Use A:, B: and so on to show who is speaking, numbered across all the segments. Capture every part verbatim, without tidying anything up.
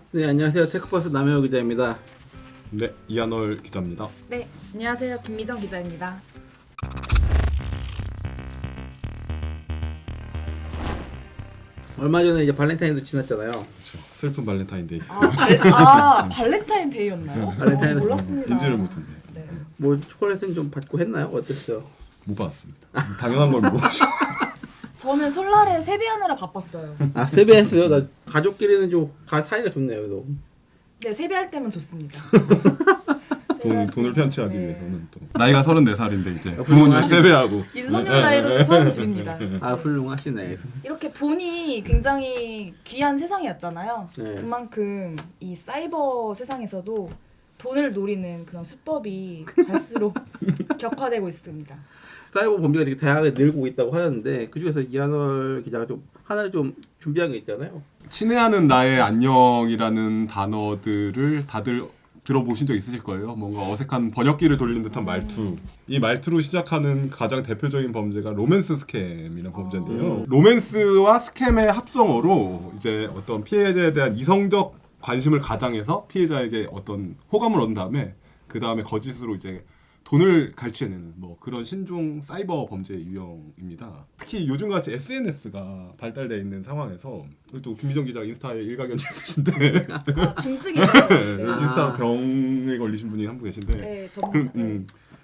A: 네, 안녕하세요. 테크버스 남해호 기자입니다.
B: 네, 이한월 기자입니다.
C: 네, 안녕하세요. 김미정 기자입니다.
A: 얼마 전에 이제 발렌타인도 지났잖아요.
B: 그렇죠. 슬픈 발렌타인데이.
C: 아, 발, 아 발렌타인 데이였나요?
A: 발렌타인
C: 어, 몰랐습니다.
B: 인지를 못했네.
C: 네.
A: 뭐 초콜릿은 좀 받고 했나요? 어땠어요?
B: 못 받았습니다. 당연한 걸 물어보죠.
C: 저는 설날에 세배하느라 바빴어요.
A: 아, 세배했어요. 나 가족끼리는 좀 가, 사이가 좋네요. 그래도.
C: 네, 세배할 때면 좋습니다.
B: 돈, 돈을 편취하기
C: 네.
B: 위해서는 또 나이가 서른네 살인데 이제
A: 아,
B: 부모님
A: 훌륭하시-
B: 세배하고
C: 윤석열 나이로는 서른 둘입니다.
A: 아, 훌륭하시네.
C: 이렇게 돈이 굉장히 귀한 세상이었잖아요.
A: 네.
C: 그만큼 이 사이버 세상에서도 돈을 노리는 그런 수법이 갈수록 격화되고 있습니다.
A: 사이버 범죄가 되게 다양하게 늘고 있다고 하는데 그 중에서 이한월 기자가 좀 하나 좀 준비한 게 있잖아요.
B: 친애하는 나의 안녕이라는 단어들을 다들 들어보신 적 있으실 거예요. 뭔가 어색한 번역기를 돌린 듯한 말투. 이 말투로 시작하는 가장 대표적인 범죄가 로맨스 스캠이라는 범죄인데요. 로맨스와 스캠의 합성어로 이제 어떤 피해자에 대한 이성적 관심을 가장해서 피해자에게 어떤 호감을 얻은 다음에 그 다음에 거짓으로 이제 돈을 갈취해내는 뭐 그런 신종 사이버 범죄 유형입니다. 특히 요즘같이 에스엔에스가 발달되어 있는 상황에서 또 김미정 기자가 인스타에 일가견이 있으신데
C: 아, 중증이에요.
B: 네,
C: 네.
B: 인스타 병에 걸리신 분이 한 분 계신데
C: 네, 저는
B: 그럼, 음,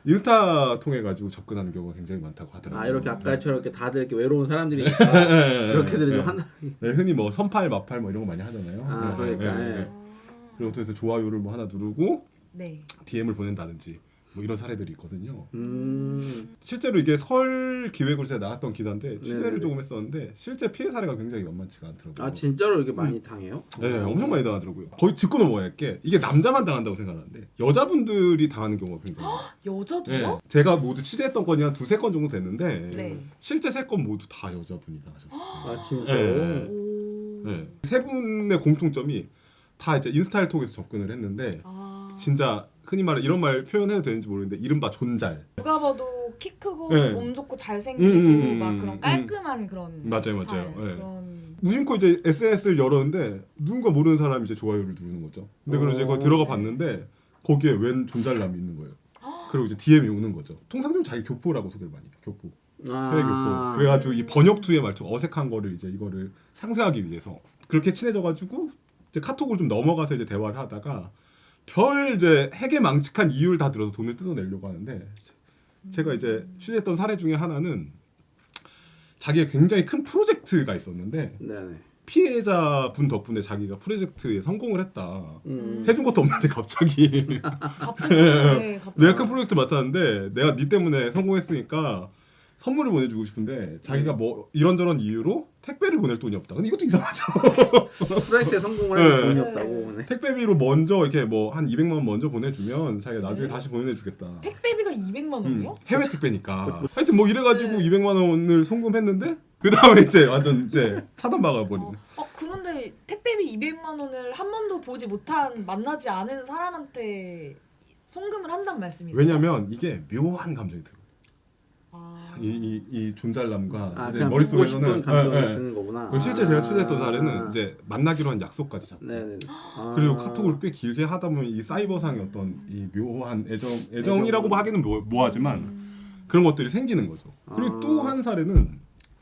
B: 인스타 통해 가지고 접근하는 경우가 굉장히 많다고 하더라고요.
A: 아, 이렇게 아까처럼 이렇게 다들 이렇게 외로운 사람들이니까 그렇게들 좀 한다.
B: 네, 흔히 뭐 선팔 마팔 뭐 이런 거 많이 하잖아요.
A: 아,
B: 네,
A: 그러니까.
B: 네, 네. 그리고 어떻게 해서 좋아요를 뭐 하나 누르고
C: 네.
B: 디엠을 보낸다든지 뭐 이런 사례들이 있거든요.
A: 음.
B: 실제로 이게 설 기획으로 제가 나갔던 기사인데 취재를
A: 네네네.
B: 조금 했었는데 실제 피해 사례가 굉장히 만만치가 않더라고요.
A: 아, 진짜로 이렇게 많이 당해요?
B: 네, 엄청 많이 당하더라고요. 거의 짚고 넘어가야 할 게 이게 남자만 당한다고 생각하는데 여자분들이 당하는 경우가 굉장히 많아요.
C: 여자도요?
B: 네, 제가 모두 취재했던 건이 한 두세 건 정도 됐는데
C: 네.
B: 실제 세 건 모두 다 여자분이 당하셨어요.
A: 아, 진짜로?
B: 네.
C: 오.
B: 네. 세 분의 공통점이 다 이제 인스타를 통해서 접근을 했는데
C: 아.
B: 진짜 흔히 말해 이런 말 표현해도 되는지 모르겠는데 이른바 존잘.
C: 누가 봐도 키 크고
B: 네.
C: 몸 좋고 잘생기고
B: 음, 음, 음,
C: 막
B: 음,
C: 그런
B: 음.
C: 깔끔한 그런
B: 맞아요,
C: 스타일,
B: 맞아요. 네.
C: 그런
B: 무심코 이제 에스엔에스를 열었는데 누군가 모르는 사람이 이제 좋아요를 누르는 거죠. 근데 그걸 이제 거기 들어가 봤는데 거기에 웬 존잘남이 있는 거예요. 그리고 이제 디엠이 오는 거죠. 통상 좀 자기 교포라고 소개를 많이 해요. 교포.
A: 아.
B: 해외 교포. 그래가지고 이 번역투의 말투 어색한 거를 이제 이거를 상쇄하기 위해서 그렇게 친해져가지고 이제 카톡으로 좀 넘어가서 이제 대화를 하다가 별 이제 핵에 망측한 이유를 다 들어서 돈을 뜯어내려고 하는데 제가 이제 취재했던 사례 중에 하나는 자기가 굉장히 큰 프로젝트가 있었는데
A: 네네.
B: 피해자분 덕분에 자기가 프로젝트에 성공을 했다.
A: 음.
B: 해준 것도 없는데 갑자기
C: 갑자기 네, 갑자기
B: 내가 큰 프로젝트 맡았는데 내가 네 때문에 성공했으니까 선물을 보내주고 싶은데 자기가 뭐 이런저런 이유로 택배를 보낼 돈이 없다. 근데 이것도 이상하죠.
A: 프로젝트에 성공을 하면
B: 네.
A: 돈이 없다고. 네.
B: 택배비로 먼저 이렇게 뭐 한 이백만 원 먼저 보내주면 자기가 나중에
C: 네.
B: 다시 보내주겠다.
C: 택배비가 이백만
B: 음,
C: 원이요?
B: 해외 택배니까. 하여튼 뭐 이래가지고
C: 네.
B: 이백만 원을 송금했는데 그 다음에 이제 완전 이제 차단박아 버리는.
C: 어, 어 그런데 택배비 이백만 원을 한 번도 보지 못한 만나지 않은 사람한테 송금을 한단 말씀이세요?
B: 왜냐면 이게 묘한 감정이 들어요.
C: 아.
B: 이, 이, 이 존잘남과
A: 아,
B: 이제
A: 그냥
B: 머릿속에서는
A: 보고 싶은 감정이
B: 예, 예.
A: 드는 거구나.
B: 그리고 실제 제가 취재했던
A: 아.
B: 사례는 이제 만나기로 한 약속까지 잡고
A: 네네. 아.
B: 그리고 카톡을 꽤 길게 하다 보면 이 사이버상의 어떤 이 묘한 애정 애정이라고
A: 애정.
B: 하기는 뭐, 뭐하지만 그런 것들이 생기는 거죠. 그리고
A: 아.
B: 또 한 사례는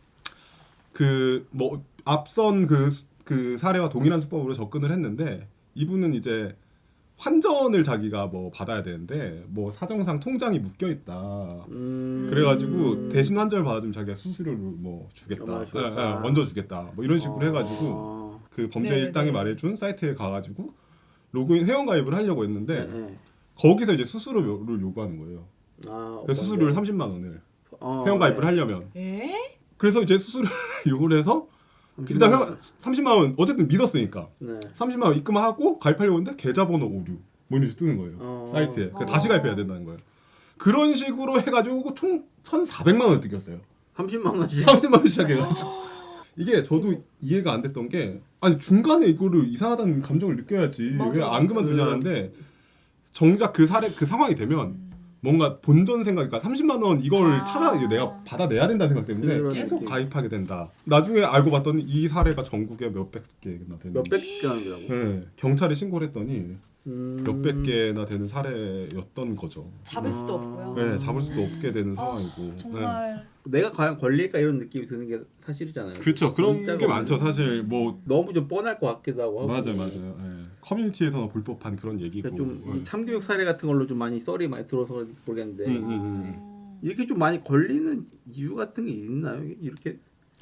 B: 그 뭐 앞선 그, 그 사례와 동일한 수법으로 접근을 했는데 이분은 이제 환전을 자기가 뭐 받아야 되는데 뭐 사정상 통장이 묶여 있다.
A: 음.
B: 그래가지고 대신 환전을 받아주면 자기가 수수료를 뭐 주겠다,
A: 얼마
B: 예,
A: 주겠다.
B: 예, 먼저 주겠다, 뭐 이런 식으로
A: 어.
B: 해가지고 그 범죄
C: 네,
B: 일당이
C: 네.
B: 말해준 사이트에 가가지고 로그인 회원 가입을 하려고 했는데
A: 네, 네.
B: 거기서 이제 수수료를 요구하는 거예요.
A: 아,
B: 그 수수료를 삼십만 원을
A: 어,
B: 회원 가입을
A: 네.
B: 하려면
C: 에?
B: 그래서 이제 수수료를 요구를 해서 일단 회원 삼십만 원 어쨌든 믿었으니까
A: 네.
B: 삼십만 원 입금하고 가입하려고 했는데 계좌번호 오류 뭐 이런 식으로 뜨는 거예요.
A: 어.
B: 사이트에. 그
C: 어.
B: 다시 가입해야 된다는 거예요. 그런 식으로 해가지고 총 천사백만 원을 뜯겼어요.
A: 삼십만 원씩.
B: 삼십만 원 시작해가지고 이게 저도 이해가 안 됐던 게 아니 중간에 이거를 이상하다는 감정을 느껴야지
C: 맞아,
B: 왜 안
C: 맞아.
B: 그만두냐는데 정작 그 사례 그 상황이 되면 뭔가 본전 생각, 그러니까 삼십만 원 이걸
C: 아.
B: 찾아 이게 내가 받아내야 된다는 생각 때문에
A: 그런
B: 계속
A: 느낌.
B: 가입하게 된다. 나중에 알고 봤더니 이 사례가 전국에 몇백 개나 되는.
A: 몇백 개라고.
B: 네, 경찰에 신고를 했더니
A: 음.
B: 몇백 개나 되는 사례였던 거죠.
C: 잡을 수도
A: 아.
C: 없고요.
B: 네, 잡을 수도 없게 되는
C: 아,
B: 상황이고. 네.
C: 정말
A: 내가 과연 걸릴까 이런 느낌이 드는 게 사실이잖아요.
B: 그렇죠. 그런
A: 문자가
B: 게 많죠.
A: 오면
B: 사실 뭐
A: 너무 좀 뻔할 것 같기도 하고. 하고.
B: 맞아요, 맞아요. 예. 커뮤니티에서는 볼 법한 그런 얘기고.
A: 그러니까 좀
B: 예.
A: 이 참교육 사례 같은 걸로 좀 많이 썰이 많이 들어서 그런지 모르겠는데
B: 음, 음, 음.
C: 어.
A: 이렇게 좀 많이 걸리는 이유 같은 게 있나요? 이렇게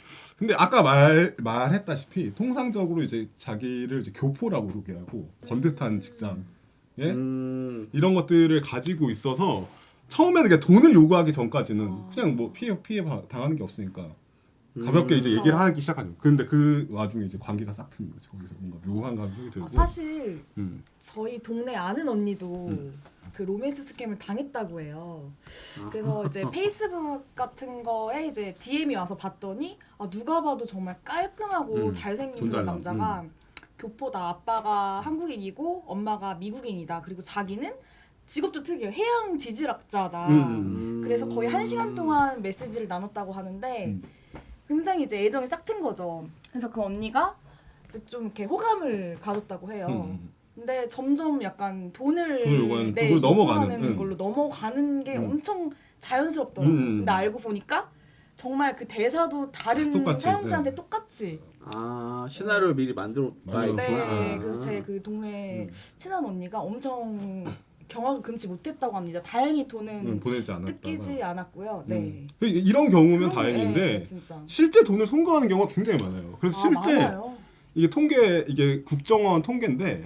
B: 근데 아까 말 말했다시피 통상적으로 이제 자기를 이제 교포라고 소개하고 번듯한 직장, 예?
A: 음,
B: 이런 것들을 가지고 있어서 처음에는 그냥 돈을 요구하기 전까지는
C: 아.
B: 그냥 뭐 피해 피해 바- 당하는 게 없으니까 가볍게
A: 음.
B: 이제 얘기를 하기 시작하죠. 근데 그 와중에 이제 관계가 싹 트는 거죠. 거기서 뭔가 묘한 감정이 들고.
C: 아, 사실
B: 음.
C: 저희 동네 아는 언니도
B: 음.
C: 그 로맨스 스캠을 당했다고 해요.
A: 아.
C: 그래서 이제 페이스북 같은 거에 이제 디엠이 와서 봤더니 아, 누가 봐도 정말 깔끔하고
B: 음,
C: 잘생긴
B: 존잘남,
C: 그런 남자가 교포다. 아빠가 한국인이고 엄마가 미국인이다. 그리고 자기는 직업도 특이해요. 해양 지질학자다.
B: 음, 음,
C: 그래서 거의 한 시간 동안 메시지를 나눴다고 하는데
B: 음.
C: 굉장히 이제 애정이 싹 튼 거죠. 그래서 그 언니가 이제 좀 이렇게 호감을 가졌다고 해요.
B: 음.
C: 근데 점점 약간 돈을,
B: 돈을 요구하는,
C: 네,
B: 그걸 넘어가는,
C: 요구하는
B: 응.
C: 걸로 넘어가는 게
B: 응.
C: 엄청 자연스럽더라고요.
B: 음.
C: 근데 알고 보니까 정말 그 대사도 다른
B: 똑같이,
C: 사용자한테
B: 네.
C: 똑같이.
A: 아 시나리오를 미리 만들어 놔
B: 만들어
C: 네,
A: 있구나.
B: 아.
C: 그래서 제 그 동네
B: 음.
C: 친한 언니가 엄청 경악을 금치 못했다고 합니다. 다행히 돈은
B: 음, 보내지 않았다.
C: 뜯기지 않았고요. 네.
B: 음. 이런 경우면
C: 그런-
B: 다행인데
C: 네, 진짜.
B: 실제 돈을 송금하는 경우가 굉장히 많아요. 그래서
C: 아,
B: 실제
C: 많아요.
B: 이게 통계 이게 국정원 통계인데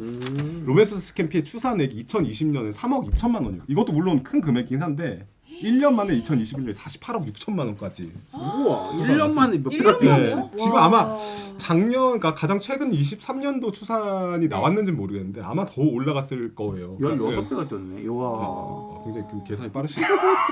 A: 음.
B: 로맨스 스캠 피해 추산액이 이천이십 년에 삼억 이천만 원이에요. 이것도 물론 큰 금액이긴 한데 일 년 만에 이천이십일 년에 사십팔억 육천만 원까지.
A: 우와
B: 일
A: 일 년 만에 몇
C: 일
A: 배가
C: 년
A: 뛰네.
B: 네.
C: 만에요?
B: 지금
C: 와.
B: 아마 작년 그러니까 가장 최근 이십삼 년도 추산이 나왔는지는 모르겠는데 아마 더 올라갔을 거예요.
A: 열여섯 배가 뛰었네.
B: 아,
A: 와.
B: 아, 굉장히 그 계산이 빠르시네요.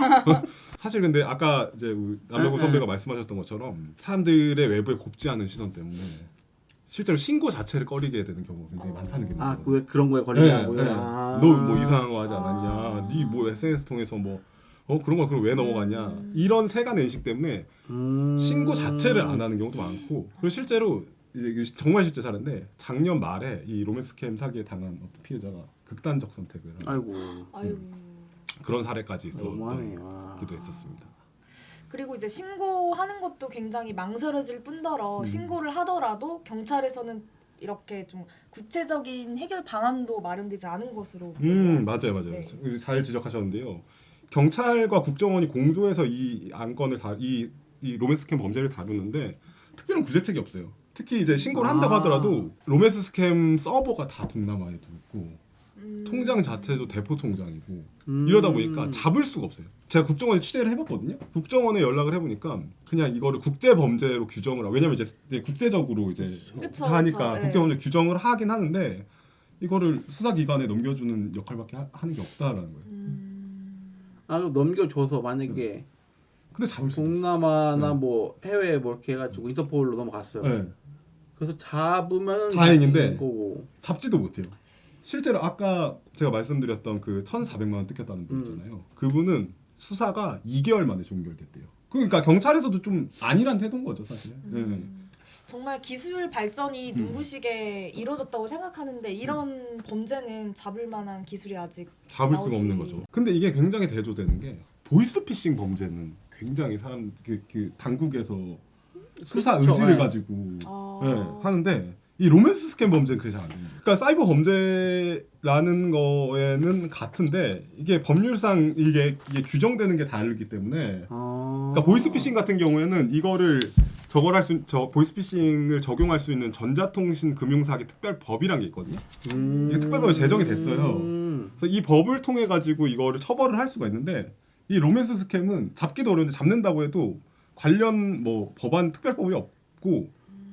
B: 사실 근데 아까 이제 우리 남명구
A: 응,
B: 선배가
A: 응.
B: 말씀하셨던 것처럼 사람들의 외부에 곱지 않은 시선 때문에 실제로 신고 자체를 꺼리게 되는 경우가 굉장히
C: 어.
B: 많다는 게
A: 아,
B: 문제거든요.
A: 왜 그런 거에
B: 네,
A: 걸리냐고요?
B: 네.
A: 아.
B: 너 뭐 이상한 거 하지
C: 아.
B: 않았냐? 네 뭐 에스엔에스 통해서 뭐 어 그런 거 그럼 왜 넘어갔냐?
C: 음.
B: 이런 세간 인식 때문에
A: 음.
B: 신고 자체를 안 하는 경우도 많고 그리고 실제로 이제 이게 정말 실제 사례인데 작년 말에 이 로맨스 스캠 사기에 당한 어떤 피해자가 극단적 선택을 한
A: 아이고.
C: 아유.
B: 그런 사례까지
A: 너무하네.
B: 있었던
A: 와.
B: 기도 했었습니다.
C: 그리고 이제 신고하는 것도 굉장히 망설여질 뿐더러
B: 음.
C: 신고를 하더라도 경찰에서는 이렇게 좀 구체적인 해결 방안도 마련되지 않은 것으로
B: 음 맞아요 맞아요
C: 네.
B: 잘 지적하셨는데요. 경찰과 국정원이 공조해서 이 안건을 다이 이 로맨스 스캠 범죄를 다루는데 특별한 구제책이 없어요. 특히 이제 신고를 한다고
A: 아.
B: 하더라도 로맨스 스캠 서버가 다 동남아에도 있고
C: 음.
B: 통장 자체도 대포 통장이고
A: 음.
B: 이러다 보니까 잡을 수가 없어요. 제가 국정원에 취재를 해봤거든요. 국정원에 연락을 해보니까 그냥 이거를 국제 범죄로 규정을 하고 왜냐면 이제 이제 국제적으로 이제
C: 그쵸,
B: 하니까
C: 그쵸,
B: 국제 범죄
C: 네.
B: 규정을 하긴 하는데 이거를 수사기관에 넘겨주는 역할밖에 하, 하는 게 없다라는 거예요.
C: 음.
A: 아, 그럼 넘겨줘서 만약에
B: 근데 잡을 수가 없어요.
A: 동남아나
B: 음.
A: 뭐 해외 뭐 이렇게 해가지고 인터폴로 넘어갔어요.
B: 네.
A: 그래서 잡으면
B: 다행인데.
A: 다행인 거고.
B: 잡지도 못해요. 실제로 아까 제가 말씀드렸던 그 천사백만 원 뜯겼다는 분
A: 음.
B: 있잖아요. 그분은 수사가 이 개월 만에 종결됐대요. 그러니까 경찰에서도 좀 아니란 태도인 거죠 사실. 네.
C: 음. 정말 기술 발전이
B: 음.
C: 눈부시게 이루어졌다고 생각하는데 이런 범죄는 잡을 만한 기술이 아직
B: 잡을 수가
C: 나오지.
B: 없는 거죠. 근데 이게 굉장히 대조되는 게 보이스피싱 범죄는 굉장히 사람 그, 그 당국에서 수사
A: 그렇죠.
B: 의지를
A: 네.
B: 가지고
C: 아...
B: 네, 하는데 이 로맨스 스캠 범죄는 그게 잘 안 됩니다. 그러니까 사이버 범죄라는 거에는 같은데 이게 법률상 이게, 이게 규정되는 게 다르기 때문에
A: 아.
B: 그러니까 보이스피싱 같은 경우에는 이거를 저걸 할 수, 저 보이스피싱을 적용할 수 있는 전자통신 금융사기 특별법이란 게 있거든요.
A: 음.
B: 이게 특별법이 제정이 됐어요.
A: 음.
B: 그래서 이 법을 통해 가지고 이거를 처벌을 할 수가 있는데 이 로맨스 스캠은 잡기도 어려운데 잡는다고 해도 관련 뭐 법안 특별법이 없고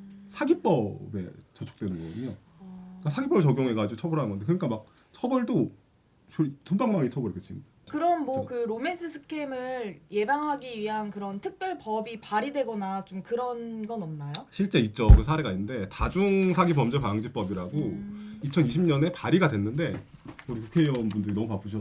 B: 사기법에 저촉되는 거거든요. 그러니까 사기법을 적용해 가지고 처벌하는 건데 그러니까 막 처벌도 돈방망이 처벌 그치.
C: 그럼 뭐 그 로맨스 스캠을 예방하기 위한 그런 특별 법이 발의되거나 좀 그런 건 없나요?
B: 실제 있죠. 그 사례가 있는데 다중 사기 범죄 방지법이라고
C: 음.
B: 이천이십 년에 발의가 됐는데 우리 국회의원분들이 너무 바쁘셔서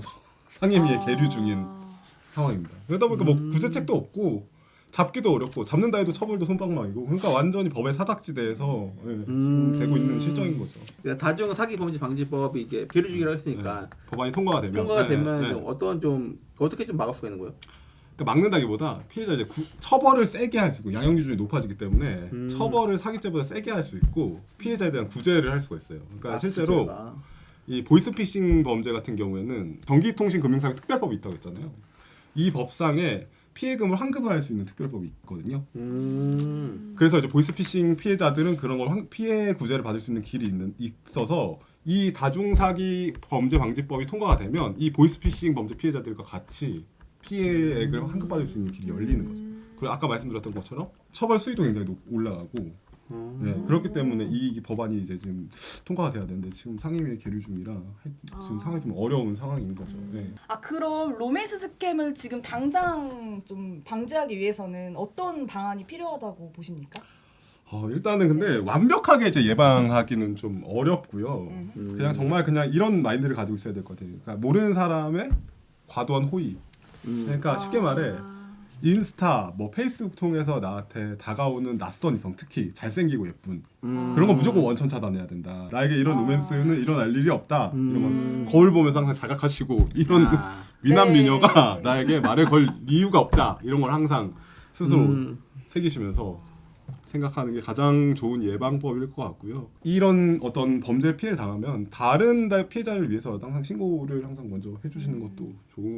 B: 상임위에
C: 아.
B: 계류 중인 상황입니다. 그러다 보니까 뭐
A: 음.
B: 구제책도 없고 잡기도 어렵고 잡는다 해도 처벌도 손방망이고 그러니까 완전히 법의 사각지대에서 예, 지금
A: 음.
B: 되고 있는 실정인 거죠.
A: 그러니까 다중 사기 범죄 방지법이 이제 계류 중이라고 했으니까
B: 네. 법안이 통과가 되면
A: 통과가
B: 네,
A: 되면
B: 네.
A: 좀 어떤 좀 어떻게 좀 막을 수가 있는 거예요?
B: 그러니까 막는다기보다 피해자 이제 구, 처벌을 세게 할 수 있고 양형 기준이 높아지기 때문에
A: 음.
B: 처벌을 사기죄보다 세게 할 수 있고 피해자에 대한 구제를 할 수가 있어요. 그러니까
A: 아,
B: 실제로
A: 구제가.
B: 이 보이스피싱 범죄 같은 경우에는 전기통신금융사기 특별법이 있다고 했잖아요. 이 법상에 피해금을 환급을 할 수 있는 특별법이 있거든요.
A: 음.
B: 그래서 이제 보이스피싱 피해자들은 그런 걸 환- 피해 구제를 받을 수 있는 길이 있는, 있어서 이 다중사기 범죄 방지법이 통과가 되면 이 보이스피싱 범죄 피해자들과 같이 피해액을 환급받을 수 있는 길이 열리는 거죠. 그리고 아까 말씀드렸던 것처럼 처벌 수위도 굉장히 높- 올라가고
A: 음.
B: 네, 그렇기 때문에 이 법안이 이제 지금 통과가 돼야 되는데 지금 상임위에 계류 중이라 해- 지금
C: 아.
B: 상황이 좀 어려운 상황인 거죠. 네.
D: 아 그럼 로맨스 스캠을 지금 당장 좀 방지하기 위해서는 어떤 방안이 필요하다고 보십니까?
B: 어, 일단은 근데 완벽하게 이제 예방하기는 좀 어렵고요.
D: 음.
A: 음.
B: 그냥 정말 그냥 이런 마인드를 가지고 있어야 될 것 같아요. 그러니까 모르는 사람의 과도한 호의.
A: 음.
B: 그러니까 쉽게 말해 인스타, 뭐 페이스북 통해서 나한테 다가오는 낯선 이성, 특히 잘생기고 예쁜
A: 음.
B: 그런 거 무조건 원천 차단해야 된다. 나에게 이런
D: 아.
B: 로맨스는 일어날 일이 없다.
A: 음.
B: 이런 거 거울 보면서 항상 자각하시고 이런
A: 아.
B: 미남
D: 네.
B: 미녀가 나에게 말을 걸 이유가 없다. 이런 걸 항상 스스로
A: 음.
B: 새기시면서 생각하는 게 가장 좋은 예방법일 것 같고요. 이런 어떤 범죄 피해를 당하면 다른 피해자를 위해서 항상 신고를 항상 먼저 해주시는 것도 좋은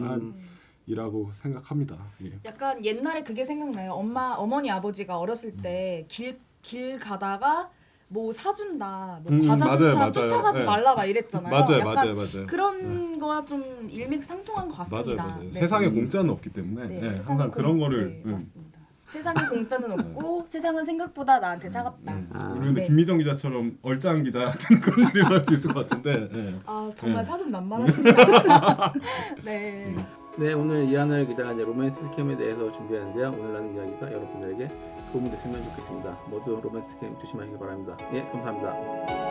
B: 방안이라고 생각합니다. 예.
D: 약간 옛날에 그게 생각나요. 엄마, 어머니, 아버지가 어렸을 때 길 길 가다가 뭐 사준다, 뭐
B: 음,
D: 과자 주는
B: 맞아요,
D: 사람
B: 맞아요.
D: 쫓아가지
B: 네.
D: 말라 막 이랬잖아요.
B: 맞아요,
D: 약간
B: 맞아요, 맞아요.
D: 그런 거와 좀 일맥상통한 것
B: 맞아요,
D: 같습니다.
B: 맞아요.
D: 네.
B: 세상에
A: 음.
B: 공짜는 없기 때문에
D: 네,
B: 예,
D: 세상에
B: 항상
D: 공-
B: 그런 거를
D: 네,
B: 음.
D: 맞습니다. 세상에 공짜는 없고 세상은 생각보다 나한테 차갑다.
B: 음.
A: 아.
B: 우리 근데
D: 네.
B: 김미정 기자처럼 얼짱 기자한테는 그런 일이 일어날 수 있을 것 같은데. 예.
D: 아 정말
B: 네.
D: 사돈 난만하십니다. 네.
A: 네, 오늘 이하늘 기자가 이제 로맨스 스캠에 대해서 준비했는데요. 오늘 나눈 이야기가 여러분들에게 도움이 됐으면 좋겠습니다. 모두 로맨스 스캠 조심하시기 바랍니다. 예, 감사합니다.